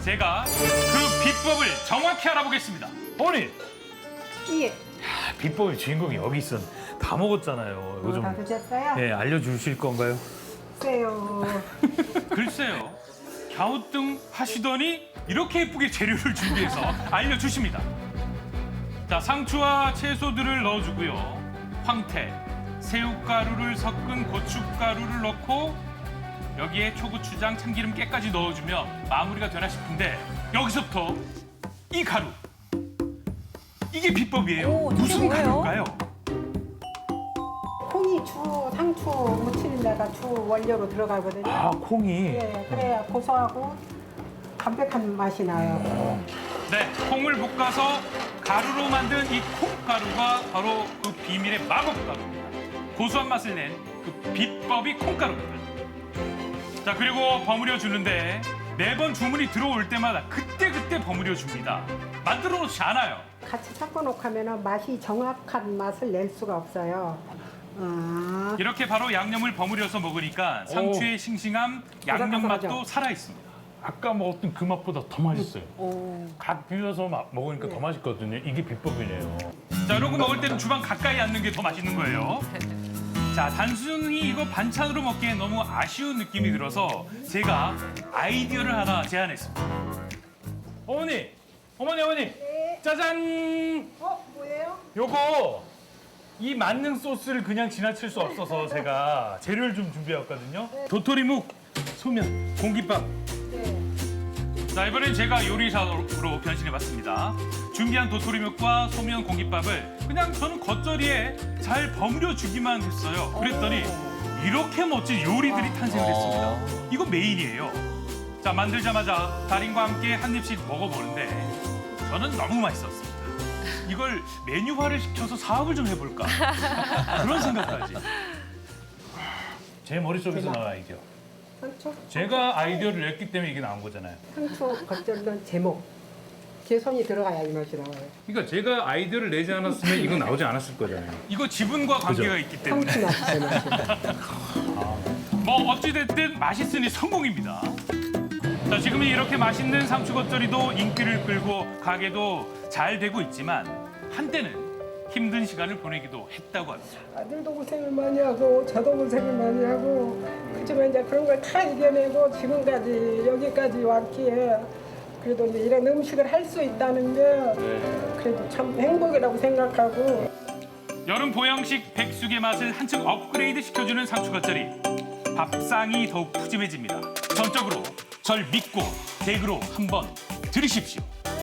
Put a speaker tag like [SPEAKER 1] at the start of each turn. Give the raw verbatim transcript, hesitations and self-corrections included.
[SPEAKER 1] 제가 그 비법을 정확히 알아보겠습니다.
[SPEAKER 2] 어머니!
[SPEAKER 3] 예.
[SPEAKER 2] 아, 비법의 주인공이 여기 있었. 다 먹었잖아요. 이거
[SPEAKER 3] 어,
[SPEAKER 2] 좀
[SPEAKER 3] 다 드셨어요?
[SPEAKER 2] 예, 알려주실 건가요?
[SPEAKER 3] 글쎄요.
[SPEAKER 1] 글쎄요. 갸우뚱 하시더니 이렇게 예쁘게 재료를 준비해서 알려주십니다. 자, 상추와 채소들을 넣어주고요. 황태, 새우가루를 섞은 고춧가루를 넣고 여기에 초고추장, 참기름, 깨까지 넣어주면 마무리가 되나 싶은데 여기서부터 이 가루. 이게 비법이에요.
[SPEAKER 4] 오, 저게
[SPEAKER 1] 무슨
[SPEAKER 4] 뭐예요?
[SPEAKER 1] 가루일까요?
[SPEAKER 3] 콩이 주 상추 무치는 데가 주 원료로 들어가거든요.
[SPEAKER 2] 아, 콩이.
[SPEAKER 3] 예, 그래야 고소하고 담백한 맛이 나요.
[SPEAKER 1] 네, 콩을 볶아서 가루로 만든 이 콩가루가 바로 그 비밀의 마법가루입니다. 고소한 맛을 낸 그 비법이 콩가루입니다. 자, 그리고 버무려 주는데 매번 주문이 들어올 때마다 그때그때 버무려 줍니다. 만들어 놓지 않아요.
[SPEAKER 3] 같이 섞어 놓으면 맛이 정확한 맛을 낼 수가 없어요. 아,
[SPEAKER 1] 이렇게 바로 양념을 버무려서 먹으니까 상추의 싱싱함, 양념 맛도
[SPEAKER 3] 바삭바삭하죠?
[SPEAKER 1] 살아 있습니다.
[SPEAKER 2] 아까 먹었던 그 맛보다 더 맛있어요.
[SPEAKER 4] 오.
[SPEAKER 2] 갓 비벼서 마- 먹으니까 더 맛있거든요. 이게 비법이네요.
[SPEAKER 1] 자, 이런 거 먹을 때는 주방 가까이 앉는 게 더 맛있는 거예요. 자, 단순히 이거 반찬으로 먹기엔 너무 아쉬운 느낌이 들어서 제가 아이디어를 하나 제안했습니다.
[SPEAKER 2] 어머니! 어머니, 어머니! 짜잔!
[SPEAKER 3] 어, 뭐예요?
[SPEAKER 2] 요거 이 만능 소스를 그냥 지나칠 수 없어서 제가 재료를 좀 준비해왔거든요.
[SPEAKER 1] 도토리묵, 소면, 공깃밥.
[SPEAKER 3] 네.
[SPEAKER 1] 자, 이번엔 제가 요리사로 변신해봤습니다. 준비한 도토리묵과 소면 공깃밥을 그냥 저는 겉절이에 잘 버무려 주기만 했어요. 그랬더니 이렇게 멋진 요리들이 탄생을 했습니다. 이거 메인이에요. 자, 만들자마자 달인과 함께 한 입씩 먹어보는데 저는 너무 맛있었습니다. 이걸 메뉴화를 시켜서 사업을 좀 해볼까 그런 생각까지.
[SPEAKER 2] 제 머릿속에서 나온 아이디어.
[SPEAKER 3] 상추?
[SPEAKER 2] 제가 아이디어를 냈기 때문에 이게 나온 거잖아요.
[SPEAKER 3] 상추 겉절이는 제목. 제 손이 들어가야 이 맛이 나와요.
[SPEAKER 2] 그러니까 제가 아이디어를 내지 않았으면 이건 나오지 않았을 거잖아요.
[SPEAKER 1] 이거 지분과 관계가 있기 때문에
[SPEAKER 3] 상추 맛이 제 맛이.
[SPEAKER 1] 뭐 어찌됐든 맛있으니 성공입니다. 자, 지금은 이렇게 맛있는 상추 겉절이도 인기를 끌고 가게도 잘 되고 있지만 한때는 힘든 시간을 보내기도 했다고 합니다.
[SPEAKER 3] 아들도 고생을 많이 하고 저도 고생을 많이 하고 그지만 이제 그런 걸 다 이겨내고 지금까지 여기까지 왔기에 그래도 이제 이런 음식을 할 수 있다는 게 그래도 참 행복이라고 생각하고
[SPEAKER 1] 여름 보양식 백숙의 맛을 한층 업그레이드 시켜주는 상추 겉절이. 밥상이 더욱 푸짐해집니다. 전적으로 절 믿고 댁으로 한번 들이십시오.